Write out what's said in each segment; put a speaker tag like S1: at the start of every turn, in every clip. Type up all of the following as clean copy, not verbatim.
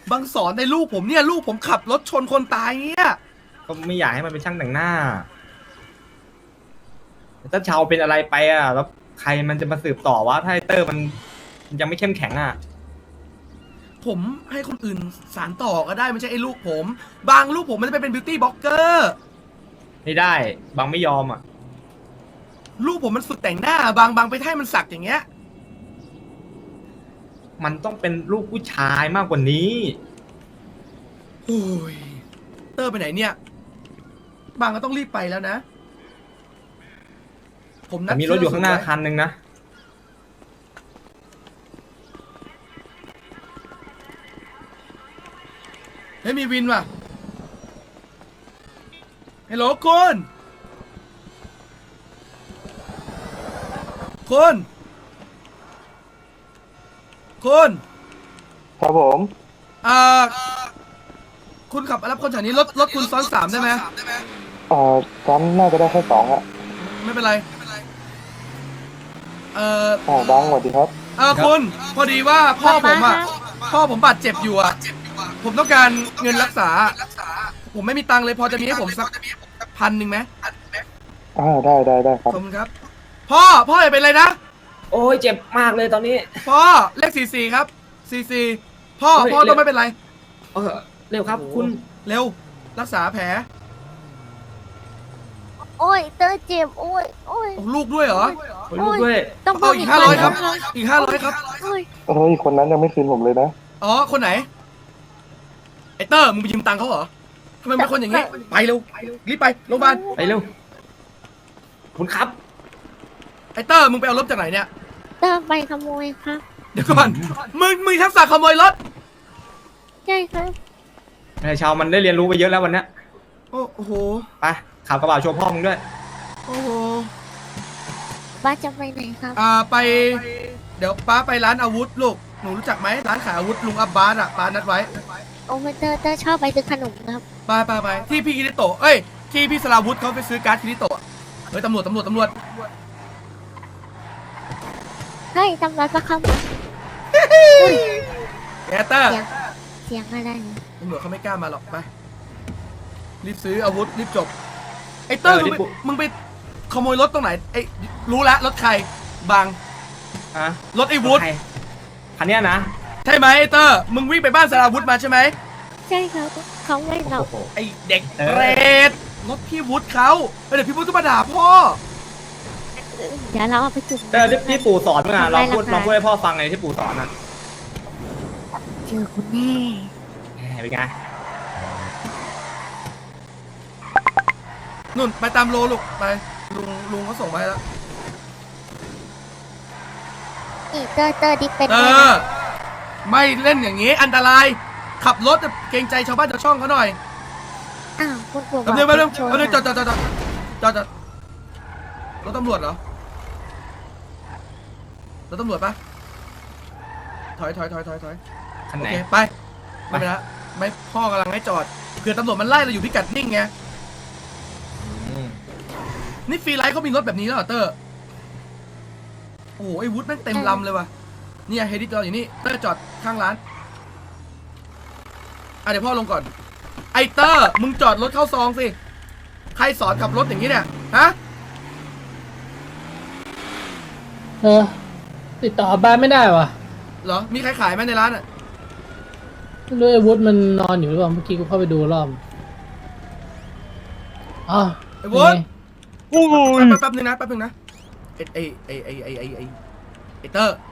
S1: บางสอนในลูกผมเนี่ยลูกผมขับรถชนคนตายเนี่ย
S2: ก็ไม่อยากให้มันเป็นช่างแต่งหน้าถ้าชาวเป็นอะไรไปอ่ะแล้วใครมันจะมาสืบต่อว่าถ้าไอเตอร์มันยังไม่เข้มแข็งอ่ะ
S1: ผมให้คนอื่นสานต่อก็ได้ไม่ใช่ไอ้ลูกผมบางลูกผมมันจะไปเป็นบิวตี้บล็อกเกอร์
S2: ไม่ได้บางไม่ยอมอ่ะ
S1: ลูกผมมันฝึกแต่งหน้าบางไปให้มันสักอย่างเงี้ย
S2: มันต้องเป็นลูกผู้ชายมากกว่านี้
S1: โอ้ยเตอร์ไปไหนเนี่ยบางก็ต้องรีบไปแล้วนะผมนั
S2: แต่
S1: ด
S2: มีรถอยู่ข้างหน้า
S1: เสื้
S2: คันหนึ่งนะ
S1: เฮ้ยมีวินว่ะฮัลโหลคุณคุณคุณ
S3: ครับผม
S1: อ่าคุณขับมารับคนแถวนี้รถคุณซ้อนสามได้ไหม
S3: ซ้ำน่าจะได้แค่สองอะ
S1: ไม่เป็นไรเอ่อ
S3: บางสวัสดีครับ
S1: คุณพอดีว่าพ่อผมอ่ะพ่อผมบาดเจ็บอยู่อ่ะผมต้องการเงินรักษาผมไม่มีตังค์เลยพอจะมีให้ผมสัก1,000ไหม
S3: ได้ครั
S1: ข
S3: บ
S1: อบคุณครับพ่ออย่าเป็นไรนะ
S2: โอ้ยเจ็บมากเลยตอนนี้
S1: พ่อเลข44ครับ44พ่อต้องไม่เป็นไร
S2: เออเร็วครับคุณ
S1: เร็วรักษาแผล
S4: โอ้ยเตอร์เจ็บโอ้ย
S1: ลูกด้วยเหรอ
S2: ลูกด้วย
S4: ต้อง
S1: เอาอีก500ครับอีก500ครับ
S4: โอ้ย
S3: เฮ้ย คนนั้นยังไม่คืนผมเลยนะ
S1: อ๋อคนไหนไอเตอร์มึงไปยืมตังค์เขาเหรอทำไมเป็นคนอย่างงี้ไปเร็วรีบไปโรงพยาบาล
S2: ไปเร็วคุณครับ
S1: ไอเตอร์มึงไปเอารถจากไหนเนี่ย
S4: เตอร์ไปขโมยครับ
S1: เดี๋ยวก่อนมึงทักษะขโมยรถ
S4: ใช่ครับ
S2: ไอชาวมันได้เรียนรู้ไปเยอะแล้ววันนี้
S1: โอ้โห
S2: ไปขับกระบะโชว์พ่อมึงด้วย
S1: โอ้โห
S4: บ้าจะไปไหนครับ
S1: ไปเดี๋ยวป้าไปร้านอาวุธลูกหนูรู้จักไหมร้านขายอาวุธลุงอับบาสอ่ะป้านัดไว้
S4: โอ้ยเตอร์ชอบไปซื้อขนมครับ
S1: ไปที่พี่คิริโตะเอ้ยที่พี่สลาวุธเขาไปซื้อการ์ดคิริโตะเฮ้ยตำรวจ
S4: เฮ้ยตำรวจมาเข้ามา
S1: แกเตอร์
S4: เสียงอะไรเนี่ย
S1: ตำรวจเขาไม่กล้ามาหรอกไปรีบซื้ออาวุธรีบจบไอเตอร์มึงไปขโมยรถตรงไหนไอรู้แล้วรถใครบาง
S2: ฮะ
S1: รถไอวุฒ
S2: คันเนี้ยนะ
S1: ใช่ไหมไอเตอร์มึงวิ่งไปบ้านสลาวุธมาใช่ไหม
S4: ใช่ครับเขาไม่หลอก
S2: โอ้โห
S1: ไอเด็กเปรตรถพี่วุฒิเขาเดี๋ยวพี่วุฒิก็มาด่าพ่อ
S4: เดี๋ยวเราเอาไปจุด
S2: ที่ปู่สอนมึงอ่ะลองพูดให้พ่อฟังไงที่ปู่สอนอ่ะ
S4: เจอคุณแน่
S2: เป็นไง
S1: นุ่นไปตามโลลูกไปลุงเขาส่งมาให้แล้ว
S4: นี่เตอร์ดิเป็น
S1: ไม่เล่นอย่างนี้อันตรายขับรถเกรงใจชาวบ้านชาวช่องเขาหน่อย
S4: อ้าวคุณปู่
S1: เดี๋ยวไปเรื่องจอดรถตำรวจเหรอรถตำรวจปะถอย
S2: คัน
S1: โอ
S2: ไหน
S1: เคไปไม่เป็นไรไม่พ่อกำลังให้จอดเผื่อตำรวจมันไล่เราอยู่พิกัดนิ่งไงนี่ฟรีไลท์เขามีรถแบบนี้แล้วเหรอเตอร์โอ้โหไอ้วุฒิแม่งเต็มลำเลยว่ะเนี่ยเฮดิจอดอยู่นี่เตอร์จอดข้างร้านเดี๋ยวพ่อลงก่อนไอเตอร์มึงจอดรถเข้าซองสิใครสอนขับรถอย่างนี้เนี่ยฮะ
S5: ติดต่อบ้านไม่ได้วะ
S1: เหรอมีใครขายไหมในร้านอ่ะ
S5: ไม่รู้ไอ้วุฒิมันนอนอยู่หรือเปล่าเมื่อกี้กูเข้าไปดูรอบอ๋อ
S1: ไอ้วุฒิ
S5: โอ้ย
S1: แป๊บนึงนะไอเตอร์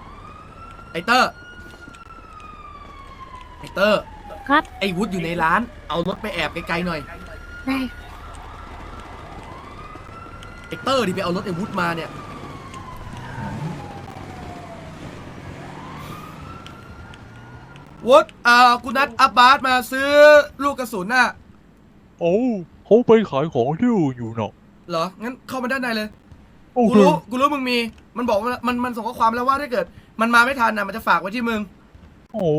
S4: ครับ
S1: ไอวุฒิอยู่ในร้านเอารถไปแอบไกลๆหน่อย
S4: ได้
S1: ไอเตอร์ดิไปเอารถไอวุฒิมาเนี่ยวุฒิกูนัดอับบาสมาซื้อลูกกระสุนน่ะ
S6: โอ้เขาไปขายของที่อื่นอยู่เนาะ
S1: เหรองั้นเข้ามาด้านในเลย
S6: โอ
S1: กู
S6: เค
S1: รู้มึงมีมันบอกว่ามันส่งข้อความแล้วว่าถ้าเกิดมันมาไม่ทันนะมันจะฝากไว้ที่มึง
S6: โอ้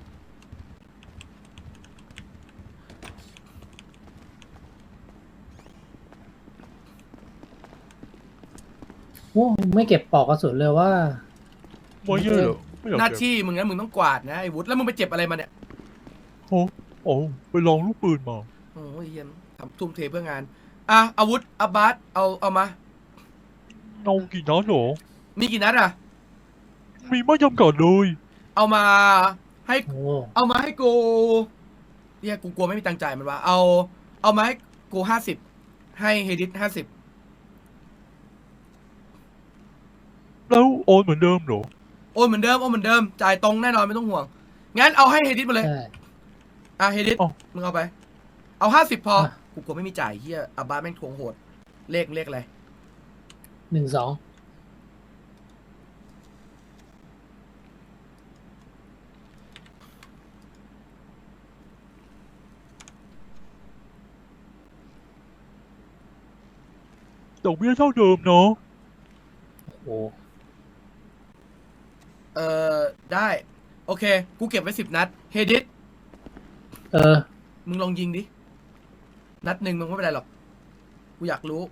S5: โหไม่เก็บปลอกกระสุนเลยว่า
S6: ไม่เยอะเหรอไม่อยาก
S1: หน้า
S6: เก็บ
S1: ที่มึงงั้นมึงต้องกวาดนะไอ้วุฒิแล้วมึงไปเจ็บอะไรมาเนี่ย
S6: โอ้ไปลองลูกปืนมา
S1: โอ้ยเยี่ยมทำทุ่มเทเพื่องานอาวุธอับบาสเอามา
S6: เอากี่นัดเหรอ
S1: มีกี่นัดอ่ะ
S6: มีไม่จำกัดเลย
S1: เอามาให้
S5: โอ้
S1: เอามาให้กูเนี่ยกูกลัวไม่มีตังค์จ่ายมันวะเอามาให้กู50ให้เฮดิส50
S6: แล้วโอนเหมือนเดิมเหรอ
S1: โอนเหมือนเดิมจ่ายตรงแน่นอนไม่ต้องห่วงงั้นเอาให้เฮดิสมาเลย
S5: ใช่
S1: เฮดิส
S6: อ๋อ
S1: มึงเอาไปเอา50พอกูกลัวไม่มีจ่ายเฮียอับบาสแม่งทวงโหดเลขอะไร
S5: 12
S6: ดอกเบี้ยเท่าเดิมเนาะ
S5: โอ้
S1: ได้โอเคกูเก็บไว้10 นัดเฮดิส มึงลองยิงดินัดหนึ่งมึงไม่เป็นไรหรอกกูอยากรู้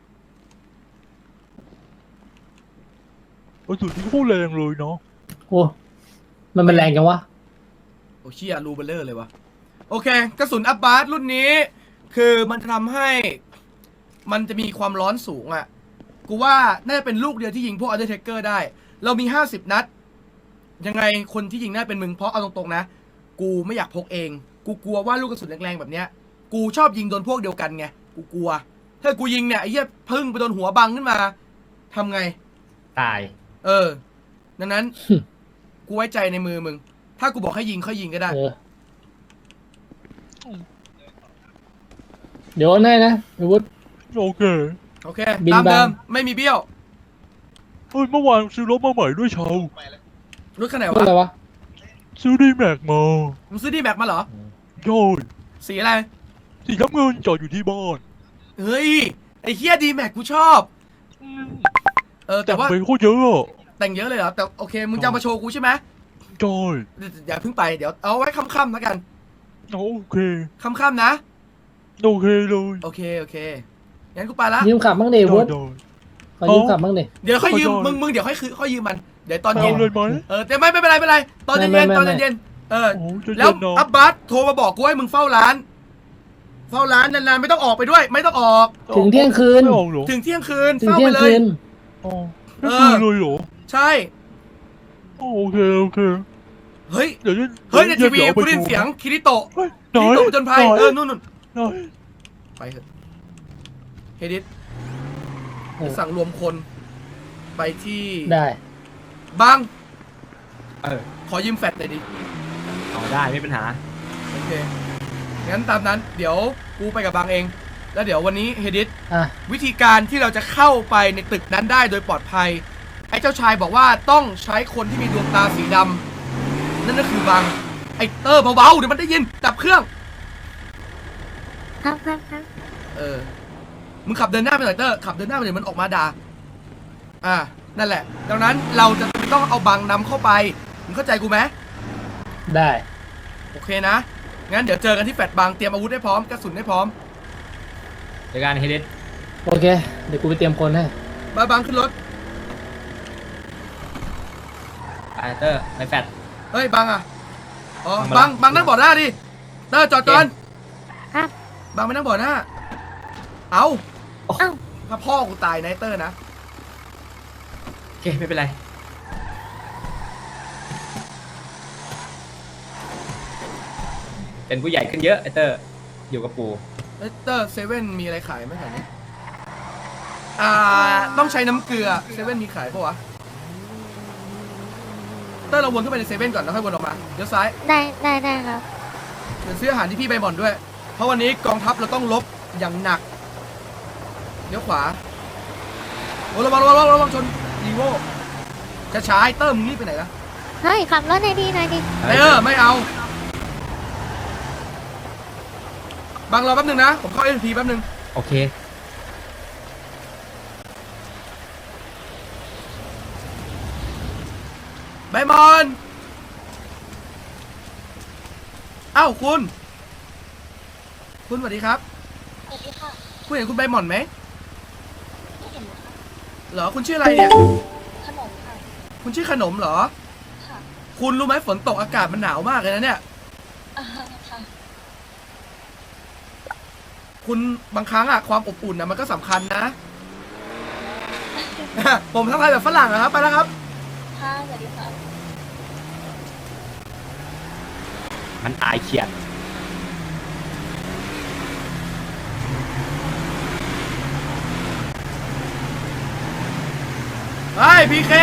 S6: กระสุนที่โคตรแรงเลยเนาะ
S5: โอ้มันเป็นแรงจังวะ
S1: โอ้เชี่ยรูเบลเลอร์เลยวะโอเคกระสุนอับบาสรุ่นนี้ คือมันทำให้มันจะมีความร้อนสูงอ่ะกูว่าน่าจะเป็นลูกเดียวที่ยิงพวกอัลเดอร์เทคเกอร์ได้เรามี50 นัดยังไงคนที่ยิงน่าเป็นมึงเพราะเอาตรงๆนะกูไม่อยากพกเองกูกลัวว่าลูกกระสุนแรงๆแบบเนี้ยกูชอบยิงโดนพวกเดียวกันไงกูกลัวถ้ากูยิงเนี่ยไอ้เหี้ยพึ่งไปโดนหัวบังขึ้นมาทำไง
S2: ตาย
S1: ดังนั้น กูไว้ใจในมือมึงถ้ากูบอกให้ยิงค่อยยิงก็ได้
S5: เดี๋ยวให้นะอาวุธ
S6: โอเค
S1: โอเค
S5: บิน
S1: ตามเดิม
S5: บาง
S1: ไม่มีเบี้ยว
S6: เฮ้ยเมื่อวานซื้อรถมาใหม่ด้วยเชาว
S1: รถคันไหน
S5: พูดอะไร
S1: วะ
S5: วะ
S6: ซื้อดีแม็กมา
S1: มึงซื้อดีแม็กมาเหรอ
S6: ย่อย
S1: สีอะไร
S6: สีน้ำเงินจอดอยู่ที่บ้าน
S1: เฮ้ยไอ้เฮียดีแม็กกูชอบ แต่
S6: แต่
S1: ว่า
S6: ไปโคตรเยอะอะ
S1: แต่งเยอะเลยเหรอแต่โอเคมึงจะเอามาโชว์กูใช่ไหม
S6: จอย
S1: อย่าเพิ่งไปเดี๋ยวเอาไว้ค่ำๆแล้วกัน
S6: โอเค
S1: ค่ำๆนะ
S6: โอเคเลย
S1: โอเคงั้นกูไปละ
S5: ยืมขับบ้างดิอาวุธ
S6: จอย
S5: ขอยืมขับบ้างดิ
S1: เดี๋ยวค่อยยืม
S6: ขอโทษ
S1: มึงเดี๋ยวค่อยยืมมันเดี๋ยวตอน
S6: เอา
S1: เย็น
S6: เลยไหม
S1: แต่ไม่เป็นไรตอนเย็น
S5: ไม่
S1: ตอนเย็น
S6: โอ้จะ
S1: แล้
S6: เย็
S1: วน
S6: เนาะ
S1: อับบาสโทรมาบอกกูให้มึงเฝ้าร้านนานๆไม่ต้องออกไปด้วย ไม่ต้องออก
S5: ถึงเที่ยงคืน
S6: ไม่ออกเหรอ
S1: ถึงเที่ยงคืน
S5: ถึง
S1: เฝ้า
S5: เที่
S1: ไป
S5: ยง
S1: เล
S5: คื
S1: ย
S5: น
S6: อ๋อไม่คืนเลยเหรอ
S1: ใช่
S6: โอเคโอเค
S1: เฮ้ย
S6: เดี๋ยวจะ
S1: เฮ้ยในทีวี
S6: ดี๋ว
S1: กูได้ยินเสียงคิริโตะ
S6: เฮ้ย
S1: คิ
S6: น้อ
S1: ริ
S6: ย
S1: โตะจนภัย
S6: น้อย
S1: นู่น
S6: น้อย
S1: ไปเถอะเฮดิส
S5: เออ
S1: สั่งรวมคนไปที่
S5: ได้
S1: บัง
S2: เออ
S1: ขอยืมแฟลชหน่อยดิ
S2: เอาได้ไม่เป็นปัญหา
S1: โอเคงั้นตามนั้นเดี๋ยวกูไปกับบังเอง แล้วเดี๋ยววันนี้เฮดิส
S5: อ่ะ
S1: วิธีการที่เราจะเข้าไปในตึกนั้นได้โดยปลอดภัย ไอ้เจ้าชายบอกว่าต้องใช้คนที่มีดวงตาสีดำนั่นก็คือบังไอ้เตอร์เบาๆเดี๋ยวมันได้ยินดับเครื่อง
S4: ครับ
S1: มึงขับเดินหน้าไปหน่อยเตอร์ขับเดินหน้าไปเดี๋ยวมันออกมาด่านั่นแหละดังนั้นเราจะต้องเอาบังนำเข้าไปมึงเข้าใจกูไหม
S5: ได้
S1: โอเคนะงั้นเดี๋ยวเจอกันที่แฟลตบังเตรียมอาวุธให้พร้อมกระสุนให้พร้อม
S2: เดี๋ยวการเฮดดิส
S5: โอเค เดี๋ยวกูไปเตรียมคนให้
S1: มาบังขึ้นรถ
S2: ไปเตอร์ไปแฟด
S1: เฮ้ยบังอ๋อ
S2: บัง
S1: บังนั่งเบาะหน้าดิเตอร์จอดก่อน
S4: ครับ
S1: บังไปนั่งเบาะหน้าเอา
S4: เอ้า
S1: ถ้าพ่อกูตายนะไอ้เตอร์นะ
S2: โอเคไม่เป็นไร เป็นผู้ใหญ่ขึ้นเยอะไอเตอร์อยู่กับปู่
S1: เอ้ยเตอร์เซเว่นมีอะไรขายไหมแถวนี้ต้องใช้น้ำเกลือเซเว่นมีขายปะวะเตอร์เราวนเข้าไปในเซเว่นก่อนแล้วค่อยวนออกมาเดี๋ยวซ้าย
S4: ได้ครับ
S1: เดี๋ยวซื้ออาหารที่พี่ใบหม่อนด้วย เพราะวันนี้กองทัพเราต้องลบอย่างหนักเดี๋ยวขวาโอ้ระวังชนดีโวจะช้าๆไอ้เตอร์มึงรีบไปไหนล่ะ
S4: เฮ้ยขับรถหน่อยดิ
S1: ไม่เอาบังรอแป๊บนึงนะผมเข้า SP แป๊บนึง
S2: โอเค
S1: ใบหมอนเอ้าคุณสวัสดีครับ
S4: สวัสดีค่ะ
S1: คุณเห็นคุณใบหมอนไหม
S4: ไม่เห็นนะคะ
S1: เหรอคุณชื่ออะไรเนี่ย
S4: ขนมค่ะ
S1: คุณชื่อขนมเหรอ
S4: ค่ะ
S1: คุณรู้ไหมฝนตกอากาศมันหนาวมากเลยนะเนี่ย
S4: ค่ะ
S1: คุณบางครั้งอะความอบอุ่นนะมันก็สำคัญนะ ผมทักทายแบบฝรั่งนะครับไปแล้วครับ
S4: ค่ะสวัสดีค่ะ
S2: มันตายเขียด
S1: เฮ้ยพีเค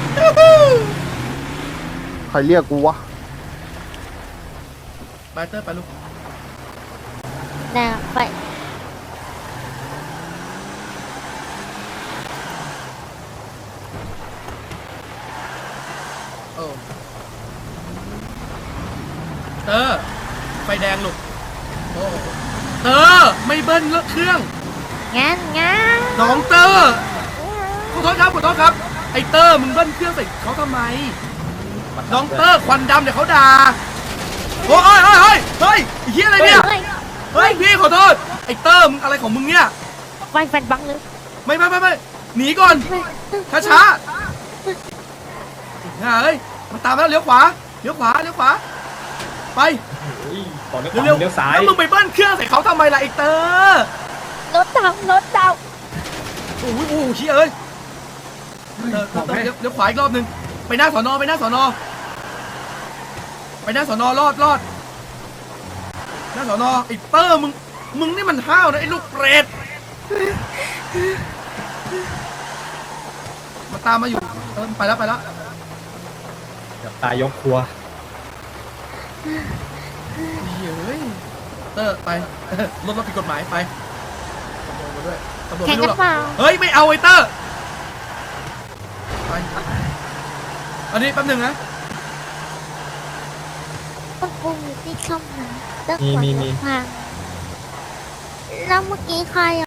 S3: ใครเรียกกูวะ
S1: ไปเตอร์ไปลูก
S4: แนวไป
S1: เออเตอร์ไฟแดงลูกโอ้เตอร์ไม่เบิ้ลเครื่อง
S4: งั้น
S1: น้องเตอร์ขอโทษครับขอโทษครับไอเตอร์มึงเบิ้ลเครื่องใส่เขาทำไม น้องเตอร์ควันดำเดี๋ยวเขาด่าโอ้ยเฮ้ยไอ้เหี้ยอะไรเนี่ย เฮ้ยพี่ขอโทษไอเตอร์มึงอะไรของมึงเนี่ย
S4: ไฟแฟนบังเลย
S1: ไม่หนีก่อนช้าเฮ้ยมันตามมาแล้วเลี้ยวขวาไป
S2: ต่อเลี้ยวข
S1: เร็ว
S2: วาเลี้ยวซ้าย
S1: แล้วมึงไปเบิ้ลเครื่องใส่เขาทำไมล่ะไอเตอร์
S4: รถดาว
S1: โอ้โหเชี่ยเอ้ยเดี๋ยวขวาอีกรอบนึงไปหน้าสอนอรอดหน้าสอนอไอเตอร์มึงนี่มันห้าวนะไอ้ลูกเปรตมาตามมาอยู่ไปแล้ว
S2: เดี๋ยวตายยกครัว
S1: เฮ้ยเตอร์ไป รถผิดกฎหมายไปมาด้วยตำรวจ
S4: แข่ง
S1: ไม่รู้
S4: กั
S1: หรอก
S4: นเปล่า
S1: เฮ้ยไม่เอาไอเตอร์ไปอันนี้แป๊บหนึงนะ
S4: คุณปูอยู่ที่ช่องไหนตั้ง
S2: มี
S4: พังแล้วเมื่อกี้ใคร